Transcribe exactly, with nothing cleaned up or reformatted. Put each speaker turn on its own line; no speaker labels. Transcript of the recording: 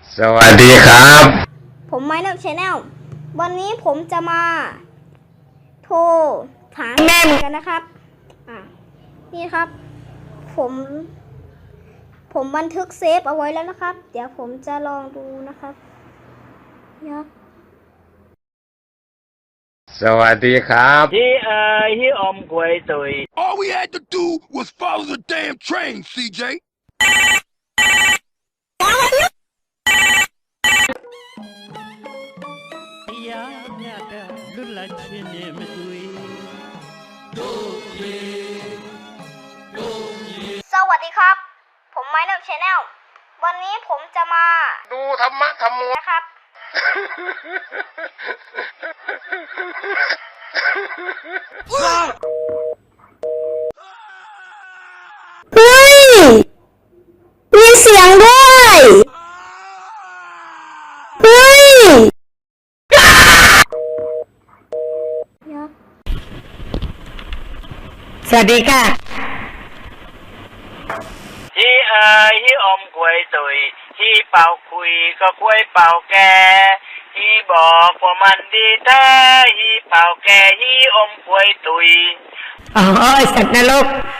สวัสดีครับ
ผมไมเลิฟชาแนลวันนี้ผมจะมาโทรหาแม่เหมือนกันนะครับอ่ะนี่ครับ ผม ผมบันทึกเซฟเอาไว้แล้วนะครับ เดี๋ยวผมจะลองดูนะครับยับ
สวัสดีครับ
He uh he om quay tụi.
All we had to do was follow the damn train, C J.
สวัสดีครับ ผมไมเลิฟชาแนลวันนี้ผมจะมา
ดูธรรมะธรรมโม
นะครับเฮ้ยมีเสียงด้วยเฮ้ยสวัสดีค่ะ
He uh he om quay tụi. He bảo quỳ có quay bảo kè. He bỏ của mình đi thế. He bảo kè he om quay tụi.
อ๋อไอสัตว์นรก